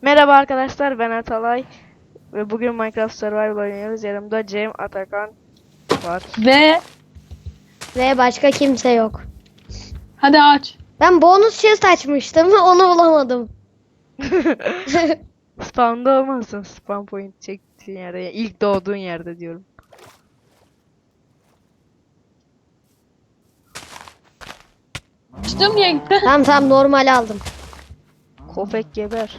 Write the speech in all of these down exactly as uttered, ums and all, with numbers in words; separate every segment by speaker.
Speaker 1: Merhaba arkadaşlar, ben Atalay ve bugün Minecraft Survival oynuyoruz. Yanımda Cem, Atakan var.
Speaker 2: Ve
Speaker 3: Ve başka kimse yok.
Speaker 2: hadi aç.
Speaker 3: Ben bonus chest açmıştım onu bulamadım.
Speaker 1: Spawn'da olmasın, spawn point çektiğin yerde, yani ilk doğduğun yerde diyorum.
Speaker 2: Açtım diye gitti.
Speaker 3: Tamam tamam normal aldım.
Speaker 1: Köpek geber.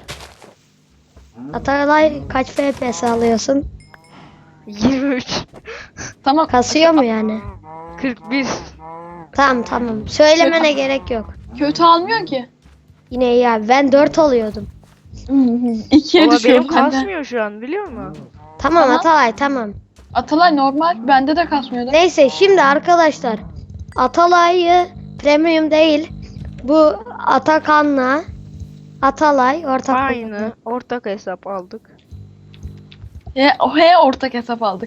Speaker 3: Atalay kaç F P S alıyorsun?
Speaker 1: yirmi üç,
Speaker 2: Tamam.
Speaker 3: Kasıyor mu yani?
Speaker 1: kırk bir.
Speaker 3: Tamam tamam. Söylemene gerek yok.
Speaker 2: Kötü almıyor ki.
Speaker 3: Yine iyi abi. Ben dört alıyordum.
Speaker 2: İkiye
Speaker 1: Valla
Speaker 2: düşüyor
Speaker 1: benim
Speaker 2: bende.
Speaker 1: kasmıyor şu an, biliyor musun?
Speaker 3: Tamam
Speaker 2: Tamam.
Speaker 3: Atalay tamam.
Speaker 2: Atalay normal. Bende de kasmıyordu.
Speaker 3: Neyse şimdi arkadaşlar. Atalay'ı premium değil. Bu Atakan'la Atalay ortak.
Speaker 1: Aynı, ortak hesap aldık.
Speaker 2: He, he ortak hesap aldık.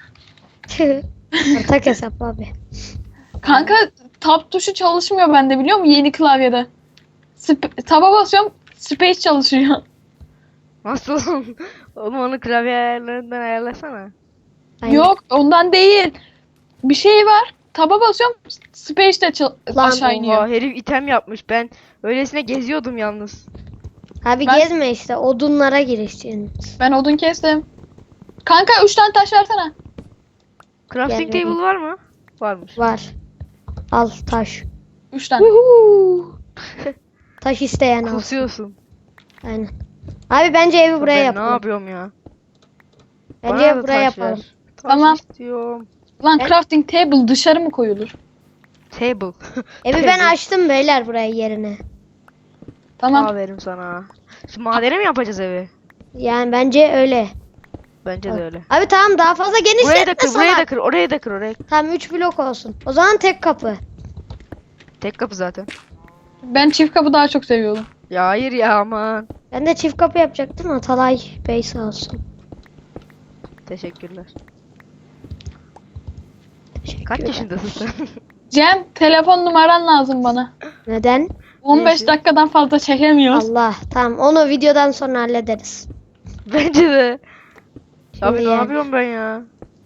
Speaker 3: ortak hesap abi.
Speaker 2: Kanka tab tuşu çalışmıyor bende biliyor musun? Yeni klavyede. Sp- taba basıyorum. Space çalışıyor.
Speaker 1: Nasıl? Oğlum onu klavye ayarlarından ayarlasana.
Speaker 3: Aynen.
Speaker 2: Yok ondan değil. Bir şey var. Taba basıyorum. Space de çal-
Speaker 3: Lan
Speaker 2: aşağı iniyor.
Speaker 1: Oha, herif item yapmış. Ben öylesine geziyordum yalnız.
Speaker 3: Abi
Speaker 2: Ben-
Speaker 3: gezme işte odunlara girişeceksin.
Speaker 2: Ben odun kestim. Kanka üç tane taş versene.
Speaker 1: Crafting
Speaker 3: Gel,
Speaker 1: table var mı? Varmış.
Speaker 3: Var. Al taş.
Speaker 2: üç tane.
Speaker 3: Taş isteyen al.
Speaker 1: Kasıyorsun.
Speaker 3: Aynen. Abi bence evi buraya
Speaker 1: Ben
Speaker 3: yapalım.
Speaker 1: ne yapıyorum ya?
Speaker 3: Bence
Speaker 1: Bana
Speaker 3: evi
Speaker 1: da
Speaker 3: buraya
Speaker 1: taş ver.
Speaker 3: yapalım.
Speaker 1: Taş
Speaker 2: Tamam.
Speaker 1: istiyorum.
Speaker 2: Lan
Speaker 3: Ben-
Speaker 2: crafting table dışarı mı koyulur?
Speaker 1: Table.
Speaker 3: Evi ben açtım beyler buraya yerine.
Speaker 2: Tamam.
Speaker 1: Aferin sana. Şimdi madene mi yapacağız evi?
Speaker 3: Yani bence öyle.
Speaker 1: Bence de öyle.
Speaker 3: Abi tamam daha fazla
Speaker 1: Burayı da
Speaker 3: genişletme
Speaker 1: kır, burayı da
Speaker 3: salak.
Speaker 1: kır, orayı da kır, orayı.
Speaker 3: Tamam üç blok olsun. O zaman tek kapı.
Speaker 1: Tek kapı zaten.
Speaker 2: Ben çift kapı daha çok seviyorum.
Speaker 1: Ya hayır ya, aman.
Speaker 3: Ben de çift kapı yapacaktım. Atalay Bey sağ olsun.
Speaker 1: Teşekkürler.
Speaker 3: Teşekkür
Speaker 1: Kaç
Speaker 3: ederim.
Speaker 1: yaşındasın sen?
Speaker 2: Cem telefon numaran lazım bana.
Speaker 3: Neden?
Speaker 2: on beş
Speaker 1: Neyse.
Speaker 2: dakikadan fazla çekemiyoruz.
Speaker 3: Allah. Tamam onu videodan sonra hallederiz.
Speaker 1: Bence de. Abi
Speaker 3: Şimdi
Speaker 1: ne
Speaker 3: yani.
Speaker 1: yapıyorum ben ya?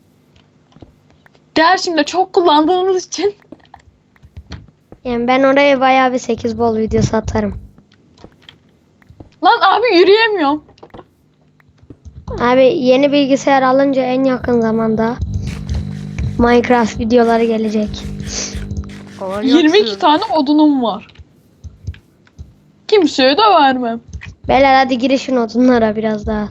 Speaker 2: Dersimde çok kullandığımız için.
Speaker 3: Yani ben oraya bayağı bir sekiz bol videosu atarım.
Speaker 2: Lan abi yürüyemiyorum.
Speaker 3: Abi yeni bilgisayar alınca en yakın zamanda Minecraft videoları gelecek.
Speaker 1: Kolay
Speaker 2: yirmi iki
Speaker 1: gelsin.
Speaker 2: tane odunum var. Kimseye de vermem.
Speaker 3: Beyler hadi girişin odunlara biraz daha.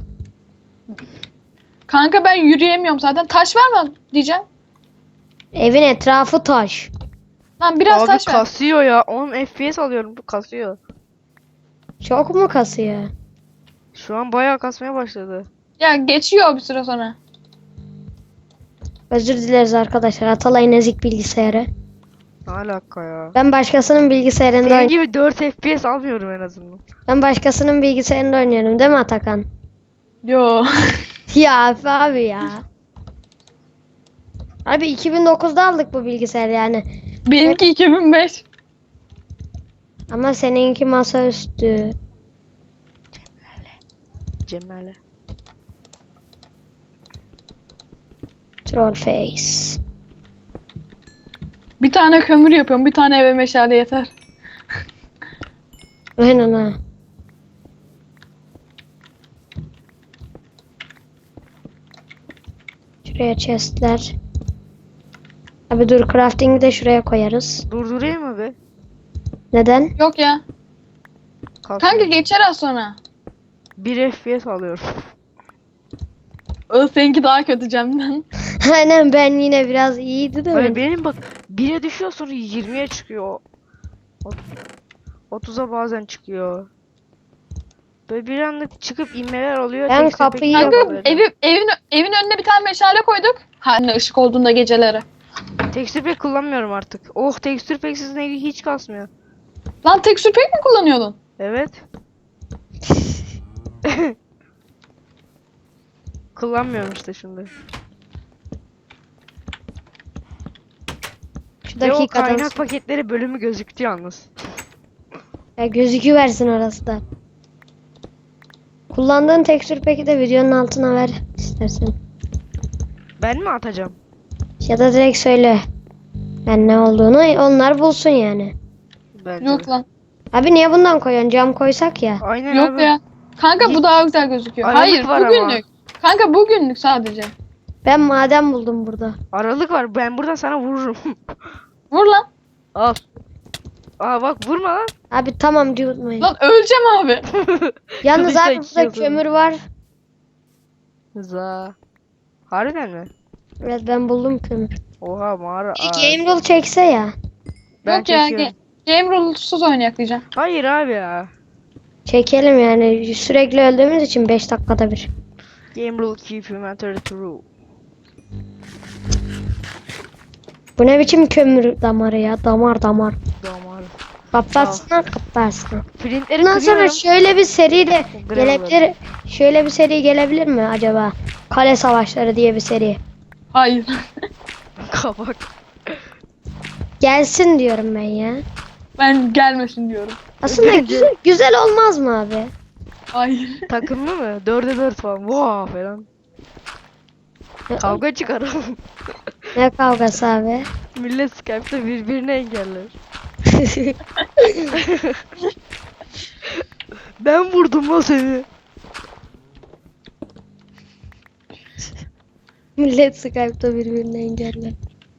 Speaker 2: Kanka ben yürüyemiyorum zaten. Taş vermem diyeceğim.
Speaker 3: Evin etrafı taş.
Speaker 2: Lan biraz
Speaker 1: Abi
Speaker 2: taş ver.
Speaker 1: kasıyor ya. on F P S alıyorum. Bu kasıyor.
Speaker 3: Çok mu kasıyor?
Speaker 1: Şu an bayağı kasmaya başladı.
Speaker 2: Ya geçiyor bir süre sonra.
Speaker 3: Özür dileriz arkadaşlar. Atalay'ın ezik bilgisayarı.
Speaker 1: Ne alaka ya?
Speaker 3: Ben başkasının bilgisayarında
Speaker 1: Senin
Speaker 3: oyn-
Speaker 1: gibi dört F P S almıyorum en azından.
Speaker 3: Ben başkasının bilgisayarında oynuyorum değil mi Atakan?
Speaker 2: Yo.
Speaker 3: Ya abi ya. Abi iki bin dokuzda aldık bu bilgisayarı yani.
Speaker 2: Benimki iki bin beş.
Speaker 3: Ama seninki masaüstü.
Speaker 1: Cemal'e.
Speaker 3: Troll face.
Speaker 2: Bir tane kömür yapıyorum. Bir tane eve meşale yeter.
Speaker 3: Aynen ha. Şuraya chestler. Abi dur crafting'i de şuraya koyarız.
Speaker 1: Durdurayım mı be?
Speaker 3: Neden?
Speaker 2: Yok ya.
Speaker 1: Kasıyor.
Speaker 2: Kanka geçer az sonra.
Speaker 1: bir F P S alıyorum.
Speaker 2: O seninki daha kötü Cem'den.
Speaker 3: Aynen ben yine biraz iyiydi de.
Speaker 1: Böyle benim bak bire düşüyor, sonra yirmiye çıkıyor. Ot- otuza bazen çıkıyor. Böyle bir anda çıkıp inmeler oluyor.
Speaker 3: Ben
Speaker 1: Tekste pek
Speaker 3: kapıyı-
Speaker 1: yok
Speaker 2: Kanka
Speaker 1: böyle.
Speaker 2: evi, evin, evin önüne bir tane meşale koyduk. Hani ışık olduğunda geceleri.
Speaker 1: Tekstür pek kullanmıyorum artık. Oh, tekstür peksiz ne hiç kasmıyor.
Speaker 2: Lan tekstür pek mi kullanıyordun?
Speaker 1: Evet. Kullanmıyorum işte şimdi.
Speaker 3: Şu
Speaker 1: Ve o
Speaker 3: dakikadan
Speaker 1: kaynak paketleri bölümü gözüktü yalnız.
Speaker 3: ya gözüküversin orası da. Kullandığın tekstür peki de videonun altına ver istersen.
Speaker 1: Ben mi atacağım?
Speaker 3: Ya da direkt söyle. Ben ne olduğunu onlar bulsun yani.
Speaker 1: Bence
Speaker 2: Yok
Speaker 1: de.
Speaker 2: lan.
Speaker 3: Abi niye bundan koyuyorsun? Cam koysak ya.
Speaker 1: Aynen
Speaker 2: Yok
Speaker 1: abi.
Speaker 2: ya. Kanka bu daha güzel gözüküyor.
Speaker 1: Aralık
Speaker 2: Hayır
Speaker 1: var ama.
Speaker 2: bugünlük. Kanka bugünlük sadece.
Speaker 3: Ben maden buldum burada.
Speaker 1: Aralık var. Ben buradan sana vururum.
Speaker 2: Vur lan.
Speaker 1: Al. Aa bak vurma lan.
Speaker 3: Abi tamam cıvıtmayın.
Speaker 2: Lan öleceğim abi.
Speaker 3: Yalnız
Speaker 1: Kılıçla
Speaker 3: abi burada
Speaker 1: yiyordum.
Speaker 3: kömür var.
Speaker 1: Za. Harbiden mi?
Speaker 3: Evet ben buldum kömür.
Speaker 1: Oha mağara.
Speaker 3: Bir
Speaker 1: Aa,
Speaker 3: game rule çekse ya.
Speaker 1: ben
Speaker 2: Yok ya.
Speaker 1: çekiyorum.
Speaker 2: Ge game rules'suz oynayak diyeceğim.
Speaker 1: Hayır abi ya.
Speaker 3: Çekelim yani sürekli öldüğümüz için beş dakikada bir.
Speaker 1: Game rule keep inventory true.
Speaker 3: Bu ne biçim kömür damarı ya? Damar damar.
Speaker 1: Damar.
Speaker 3: Kapatsınlar kapatsınlar.
Speaker 1: Printleri
Speaker 3: Bundan sonra
Speaker 1: kırıyorum.
Speaker 3: şöyle bir seri de
Speaker 1: Gram
Speaker 3: gelebilir. Şöyle bir seri gelebilir mi acaba? Kale Savaşları diye bir seri.
Speaker 2: Hayır.
Speaker 1: Kabak.
Speaker 3: Gelsin diyorum ben ya.
Speaker 2: Ben gelmesin diyorum.
Speaker 3: Aslında
Speaker 1: Bence-
Speaker 3: güzel, güzel olmaz mı abi?
Speaker 2: Hayır.
Speaker 1: Takımlı mı? Dörde dört falan. Vaa falan. Kavga çıkaralım.
Speaker 3: Ne kavgası abi?
Speaker 1: Millet Skype'da birbirini engeller. Ben vurdum lan seni.
Speaker 3: Millet Skype'da birbirine engeller.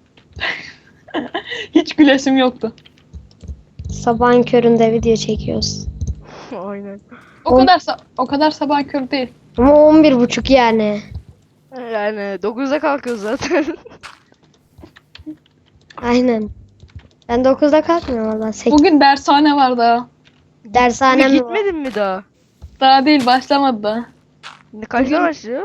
Speaker 2: Hiç gülesim yoktu.
Speaker 3: Sabahın köründe video çekiyoruz.
Speaker 1: Aynen.
Speaker 2: O
Speaker 3: On-
Speaker 2: kadar sa- o kadar sabah kör değil.
Speaker 3: Ama on bir buçuk yani.
Speaker 1: Yani dokuzda kalkıyoruz zaten.
Speaker 3: Aynen. Ben dokuzda kalkmıyorum valla. sekiz.
Speaker 2: Bugün dershane var daha.
Speaker 3: Dershanem
Speaker 1: Bugün
Speaker 3: mi var?
Speaker 1: gitmedin mi daha?
Speaker 2: Daha değil başlamadı daha.
Speaker 1: Ne kaçta
Speaker 2: Bugün-
Speaker 1: başlıyor?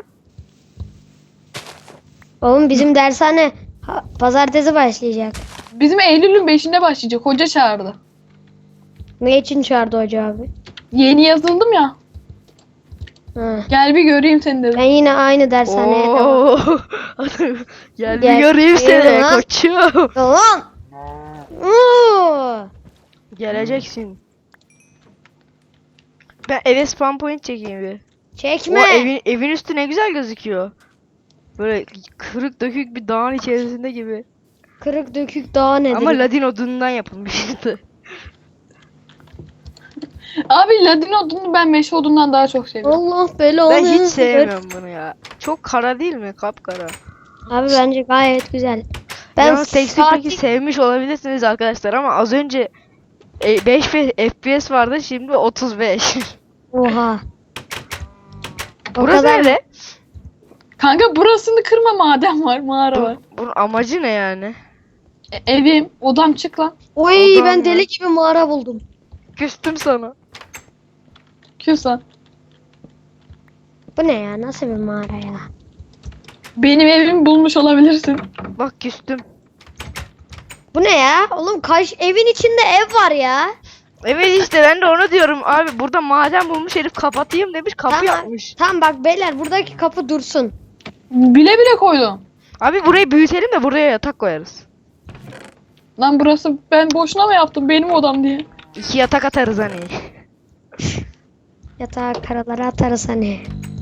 Speaker 3: Oğlum bizim dershane ha- pazartesi başlayacak.
Speaker 2: Bizim Eylül'ün beşinde başlayacak. Hoca çağırdı.
Speaker 3: Ne için çağırdı hoca abi?
Speaker 2: Yeni yazıldım ya.
Speaker 3: Ha.
Speaker 2: Gel bir göreyim seni dedi.
Speaker 3: Ben yine aynı dershaneye devam.
Speaker 1: Oo. Gel bir
Speaker 3: Gel-
Speaker 1: göreyim seni
Speaker 3: Gel lan.
Speaker 1: koçum.
Speaker 3: Lan! Oo!
Speaker 1: Geleceksin. Ben eve spawn point çekeyim bir.
Speaker 3: Çekme.
Speaker 1: O evin, evin üstü ne güzel gözüküyor. Böyle kırık dökük bir dağın içerisinde gibi.
Speaker 3: Kırık dökük dağ nedir?
Speaker 1: Ama ladin odunundan yapılmıştı.
Speaker 2: Abi ladin odunu ben meşe odundan daha çok seviyorum.
Speaker 3: Allah belanı.
Speaker 1: Ben hiç
Speaker 3: versin.
Speaker 1: sevmiyorum bunu ya. Çok kara değil mi? Kapkara.
Speaker 3: Abi bence gayet güzel. Ben
Speaker 1: Ben Yalnız tekstil
Speaker 3: saatlik-
Speaker 1: peki sevmiş olabilirsiniz arkadaşlar ama az önce e, beş F P S vardı şimdi otuz beş.
Speaker 3: Oha. O
Speaker 1: Burası
Speaker 3: kadar-
Speaker 1: ne?
Speaker 2: Kanka burasını kırma maden var, mağara var.
Speaker 1: Bu, bunun amacı ne yani?
Speaker 2: E, evim, odam çık lan.
Speaker 3: Oy
Speaker 1: Odam
Speaker 3: ben
Speaker 1: ya.
Speaker 3: deli gibi mağara buldum.
Speaker 1: Küstüm sana.
Speaker 2: Küs lan.
Speaker 3: Bu ne ya? Nasıl bir mağara ya?
Speaker 2: Benim evimi bulmuş olabilirsin.
Speaker 1: Bak küstüm.
Speaker 3: Bu ne ya? Oğlum kaç evin içinde ev var ya.
Speaker 1: Evet işte ben de onu diyorum abi burada maden bulmuş herif kapatayım demiş kapı
Speaker 3: Tamam.
Speaker 1: yapmış.
Speaker 3: Tamam bak beyler buradaki kapı dursun.
Speaker 2: Bile bile koydum.
Speaker 1: Abi burayı büyütelim de buraya yatak koyarız.
Speaker 2: Lan burası ben boşuna mı yaptım benim odam diye.
Speaker 1: İki yatak atarız hani.
Speaker 3: Yatağa karalara atarız hani.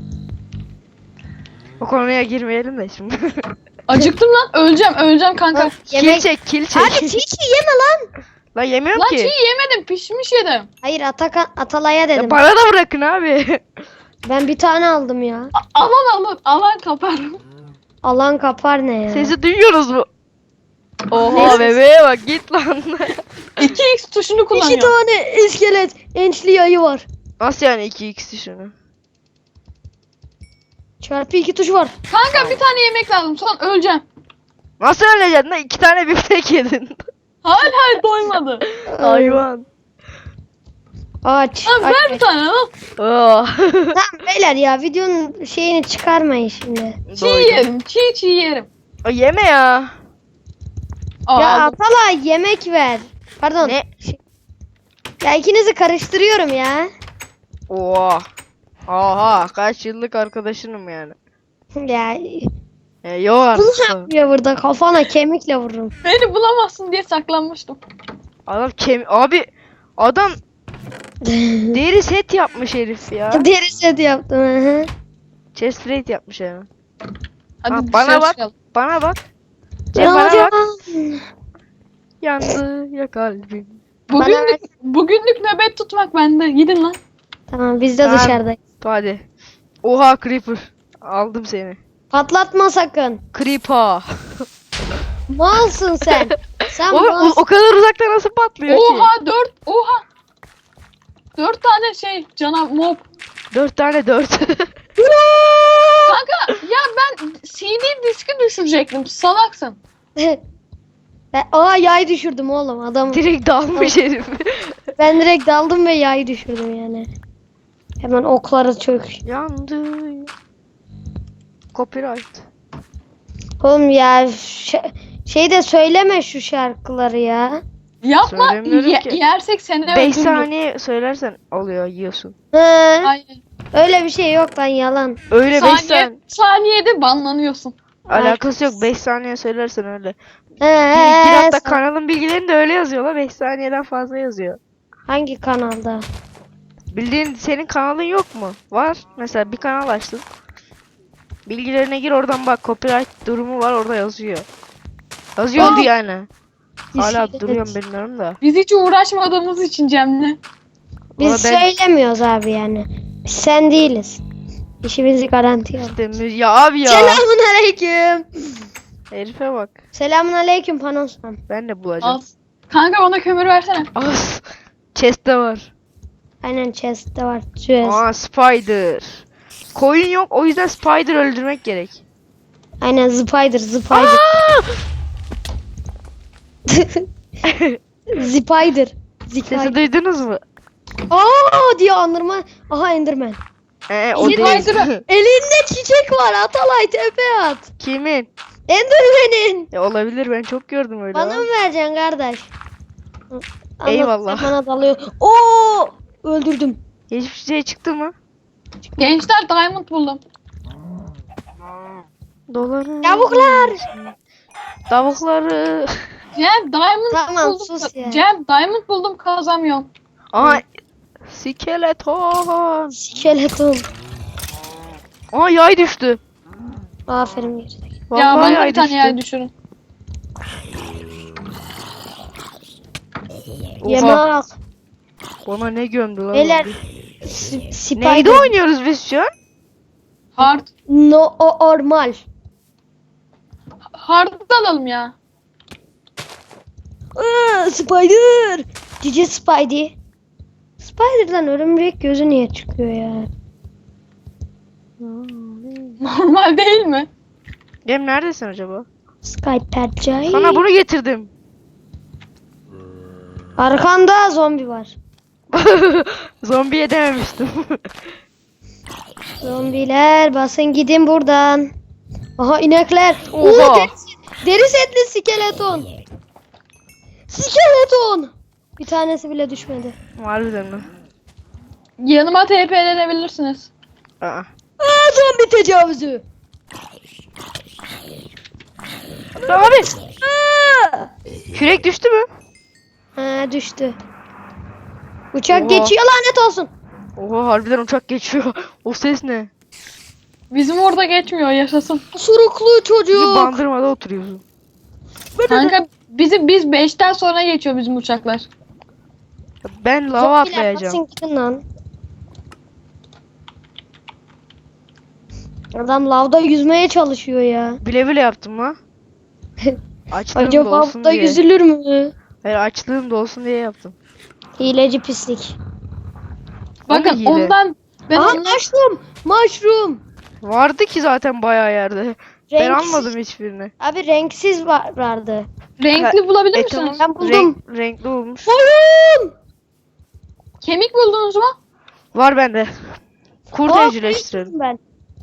Speaker 1: O konuya girmeyelim de şimdi.
Speaker 2: Acıktım lan öleceğim öleceğim kanka.
Speaker 1: Kil
Speaker 3: Yemek...
Speaker 1: çek kil çek.
Speaker 3: Hadi çiğ çiğ yeme lan.
Speaker 1: Lan yemiyorum
Speaker 2: Lan
Speaker 1: ki.
Speaker 2: çiğ yemedim pişmiş yedim.
Speaker 3: Hayır Ataka, Atalay'a
Speaker 1: Ya
Speaker 3: dedim.
Speaker 1: bana da bırakın abi.
Speaker 3: Ben bir tane aldım ya.
Speaker 2: A- alan alan alan kapar.
Speaker 3: Alan kapar ne ya?
Speaker 1: Sesi duyuyorsunuz mu? Oha
Speaker 3: Neyse.
Speaker 1: bebeğe bak git lan.
Speaker 2: iki x tuşunu
Speaker 3: İki
Speaker 2: kullanıyor.
Speaker 3: tane iskelet ençli ayı var.
Speaker 1: Nasıl yani iki x şunu?
Speaker 3: Çarpı iki tuş var.
Speaker 2: Kanka bir tane yemek lazım sonra öleceğim.
Speaker 1: Nasıl öleceksin lan? İki tane biftek yedin.
Speaker 2: Hala doymadı.
Speaker 1: Hayvan.
Speaker 3: Aç.
Speaker 2: Lan
Speaker 3: aç,
Speaker 2: ver bir
Speaker 3: aç.
Speaker 2: tane lan.
Speaker 1: Oh.
Speaker 3: Tamam beyler ya videonun şeyini çıkarmayın şimdi.
Speaker 2: Çiğ
Speaker 1: Doydum.
Speaker 2: yerim çiğ çiğ yerim.
Speaker 1: O yeme ya.
Speaker 2: Aa,
Speaker 3: Ya
Speaker 2: aldım.
Speaker 3: Atalay yemek ver. Pardon.
Speaker 1: Ne?
Speaker 3: Şey- Ya ikinizi karıştırıyorum ya.
Speaker 1: Oha. Oha kaç yıllık arkadaşınım yani.
Speaker 3: Ya
Speaker 1: E, yok
Speaker 3: bunu
Speaker 1: artık.
Speaker 3: yapıyor burada kafana kemikle vururum.
Speaker 2: Beni bulamazsın diye saklanmıştım.
Speaker 1: Adam kem abi adam Deri set yapmış herif ya.
Speaker 3: Deri set yaptım. Hı hı.
Speaker 1: Chest plate yapmış yani.
Speaker 2: Hadi
Speaker 1: Ha,
Speaker 2: dışarı
Speaker 1: bana bak.
Speaker 2: çıkalım.
Speaker 1: Bana bak. Cem bana
Speaker 3: Hocam.
Speaker 1: bak. Yandı ya kalbim.
Speaker 2: Bugünlük, bugünlük nöbet tutmak bende. Gidin lan.
Speaker 3: Tamam biz de
Speaker 1: Tamam.
Speaker 3: dışarıdayız.
Speaker 1: Hadi. Oha Creeper. Aldım seni.
Speaker 3: Patlatma sakın.
Speaker 1: Creeper.
Speaker 3: Malsın sen. Sen
Speaker 1: Oğlum o,
Speaker 3: malsın.
Speaker 1: o kadar uzakta nasıl patlıyor ki?
Speaker 2: Oha dört. Oha. Dört tane şey canav mob.
Speaker 1: Dört tane dört.
Speaker 2: Kanka ya ben C D diski düşürecektim. Salaksın.
Speaker 3: Ben, aa yay düşürdüm oğlum adam.
Speaker 1: Direkt dalmış herif.
Speaker 3: Ben direkt daldım ve yayı düşürdüm yani. Hemen okları çök.
Speaker 1: Yandı. Copyright.
Speaker 3: Oğlum ya ş- şey de söyleme şu şarkıları ya.
Speaker 2: Yapma.
Speaker 1: Söylemiyorum
Speaker 2: Ye-
Speaker 1: ki.
Speaker 2: yersek seni
Speaker 1: beş
Speaker 2: öldürürüz.
Speaker 1: saniye söylersen alıyor yiyorsun.
Speaker 3: Hı,
Speaker 2: Aynen.
Speaker 3: öyle bir şey yok lan yalan.
Speaker 1: Öyle beş
Speaker 2: Saniye,
Speaker 1: saniye.
Speaker 2: saniyede banlanıyorsun.
Speaker 1: Alakası yok. beş saniye söylersen öyle.
Speaker 3: He,
Speaker 1: Bir, bir hatta
Speaker 3: sen-
Speaker 1: kanalın bilgilerini de öyle yazıyorlar. beş saniyeden fazla yazıyor.
Speaker 3: hangi kanalda?
Speaker 1: Bildiğin senin kanalın yok mu? Var. Mesela bir kanal açtın. Bilgilerine gir oradan bak. Copyright durumu var orada yazıyor. Yazıyordu
Speaker 2: Aa!
Speaker 1: yani. Hala
Speaker 3: Biz-
Speaker 1: duruyorum bilmiyorum da.
Speaker 2: Biz hiç uğraşmadığımız için Cem'le.
Speaker 3: Biz
Speaker 1: Valla ben-
Speaker 3: söylemiyoruz abi yani. Biz sen değiliz. İşimizi garantiye al.
Speaker 1: İşte mü- ya abi ya.
Speaker 3: Selamun aleyküm.
Speaker 1: Herife bak.
Speaker 3: Selamun aleyküm Panosman.
Speaker 1: Ben de bulacağım.
Speaker 2: Al. Kanka bana kömür versene.
Speaker 1: Az. Chest'te var.
Speaker 3: Aynen chest'te var. Chest.
Speaker 1: Aa spider. Koyun yok o yüzden spider öldürmek gerek.
Speaker 3: Aynen spider spider.
Speaker 1: Aa!
Speaker 3: Spider.
Speaker 1: Sesi
Speaker 3: Spider.
Speaker 1: duydunuz mu?
Speaker 3: Aa diye andırma. Aha Enderman.
Speaker 1: Ee, o
Speaker 2: Spider.
Speaker 1: değil.
Speaker 3: Elinde çiçek var. Atalay tepe at.
Speaker 1: Kimin?
Speaker 3: Enderman'in.
Speaker 1: Ya olabilir ben çok gördüm öyle.
Speaker 3: Bana
Speaker 1: ama.
Speaker 3: mı vereceksin kardeş? Anlatsa
Speaker 1: Eyvallah.
Speaker 3: Bana dalıyor. Oo! Öldürdüm.
Speaker 1: Hiçbir şey çıktı mı?
Speaker 2: Gençler diamond buldum.
Speaker 1: Doları.
Speaker 3: Tavuklar.
Speaker 1: Tavukları.
Speaker 2: Cem diamond
Speaker 3: Tamam,
Speaker 2: buldum.
Speaker 3: sus ya.
Speaker 2: Cem diamond buldum kazamıyorum.
Speaker 1: Aa skeleton.
Speaker 3: Skeleton.
Speaker 1: Aa yay düştü.
Speaker 3: Aferin gerizekalı.
Speaker 1: Vallahi
Speaker 2: ya bana
Speaker 1: yay
Speaker 2: bir tane
Speaker 1: düştü.
Speaker 2: yer düşürün.
Speaker 1: Oha,
Speaker 3: Yemek.
Speaker 1: bana ne gömdü lan?
Speaker 3: Beyler.
Speaker 1: o?
Speaker 3: s- Spider.
Speaker 1: Neyde oynuyoruz biz şu an?
Speaker 2: Hard.
Speaker 3: No o normal.
Speaker 2: Hard alalım ya.
Speaker 3: Aa, Spider. Cici Spidey. Spider'dan örümcek gözü niye çıkıyor ya?
Speaker 2: Normal değil mi?
Speaker 1: Cem neredesin acaba?
Speaker 3: Spider.
Speaker 1: Sana bunu getirdim.
Speaker 3: Arkanda zombi var.
Speaker 1: Zombiye dememiştim.
Speaker 3: Zombiler basın gidin buradan. Aha inekler.
Speaker 1: Oha.
Speaker 3: Oo, deri, deri setli skeleton. Skeleton. Bir tanesi bile düşmedi.
Speaker 1: Harbiden mi?
Speaker 2: Yanıma T P'lenebilirsiniz.
Speaker 1: Aa.
Speaker 3: Aa, zombi tecavüzü.
Speaker 1: Abi
Speaker 3: Aa.
Speaker 1: kürek düştü mü?
Speaker 3: Ha düştü. Uçak
Speaker 1: Oha.
Speaker 3: geçiyor lanet olsun.
Speaker 1: Oha harbiden uçak geçiyor. O ses ne?
Speaker 2: Bizim orada geçmiyor yaşasın.
Speaker 3: Suruklu
Speaker 1: Bizim
Speaker 3: çocuk.
Speaker 1: bandırmada oturuyorsun.
Speaker 2: Kanka bizim biz beşten sonra geçiyor bizim uçaklar.
Speaker 1: Ben lava
Speaker 3: Zombiler
Speaker 1: atlayacağım.
Speaker 3: basın gidin lan. Adam lavda yüzmeye çalışıyor ya.
Speaker 1: Bile bile yaptım ha. Açlığım da
Speaker 3: Acaba
Speaker 1: olsun
Speaker 3: lavda
Speaker 1: diye.
Speaker 3: yüzülür mü?
Speaker 1: Hayır açlığım da olsun diye yaptım.
Speaker 3: Hileci pislik.
Speaker 2: Bakın
Speaker 1: hile.
Speaker 2: ondan ben
Speaker 3: Aha
Speaker 2: ondan
Speaker 3: mushroom. Mushroom.
Speaker 1: Vardı ki zaten bayağı yerde. Ben
Speaker 3: Renksiz.
Speaker 1: almadım hiçbirini.
Speaker 3: Abi renksiz var, vardı.
Speaker 2: renkli bulabilir
Speaker 1: E,
Speaker 2: misiniz?
Speaker 3: Ben buldum.
Speaker 1: Renk- renkli olmuş.
Speaker 3: Oyun.
Speaker 2: Kemik buldunuz mu?
Speaker 1: Var bende. Kurt
Speaker 3: Aa,
Speaker 1: evcilleştirelim.
Speaker 3: ben.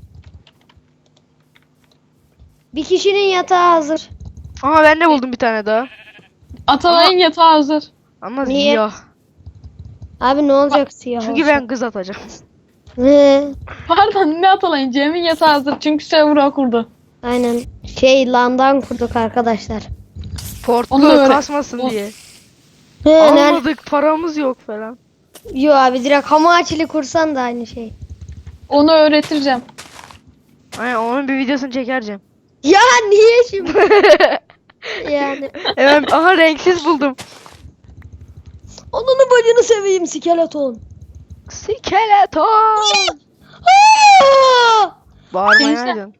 Speaker 3: Bir kişinin yatağı hazır.
Speaker 1: Aha ben de buldum bir tane daha.
Speaker 2: Atalay'ın yatağı hazır.
Speaker 1: Ama
Speaker 3: Niye?
Speaker 1: siyah.
Speaker 3: Abi ne olacak siyah
Speaker 1: Çünkü
Speaker 3: olsa?
Speaker 1: ben kız atacağım.
Speaker 3: He,
Speaker 2: Pardon ne Atalay'ın? Cem'in yatağı hazır çünkü server'a kurdu.
Speaker 3: aynen. Şey landan kurduk arkadaşlar.
Speaker 1: Portlu
Speaker 2: Onu da öyle-
Speaker 1: kasmasın
Speaker 2: O-
Speaker 1: diye.
Speaker 3: He, nerede?
Speaker 1: Almadık paramız yok falan.
Speaker 3: Yo abi direkt hamaçili kursan da aynı şey.
Speaker 2: Onu öğretireceğim.
Speaker 1: Aynen onun bir videosunu çekereceğim.
Speaker 3: Ya niye şimdi? Yani.
Speaker 1: Hemen aha renksiz buldum.
Speaker 3: Onunu bacını seveyim skeleton.
Speaker 1: Skeleton.
Speaker 3: Aa!
Speaker 1: Bağırmayaydın.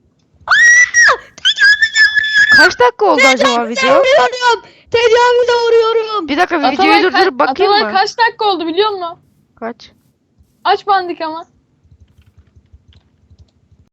Speaker 1: Kaç dakika oldu acaba video?
Speaker 3: Vuruyorum. Tecavüze uğruyorum.
Speaker 1: Bir dakika
Speaker 2: Atalay,
Speaker 1: videoyu
Speaker 2: ka-
Speaker 1: durdurup bakayım
Speaker 2: Atalay
Speaker 1: mı?
Speaker 2: kaç dakika oldu biliyor musun?
Speaker 1: Kaç?
Speaker 2: Aç bandik ama.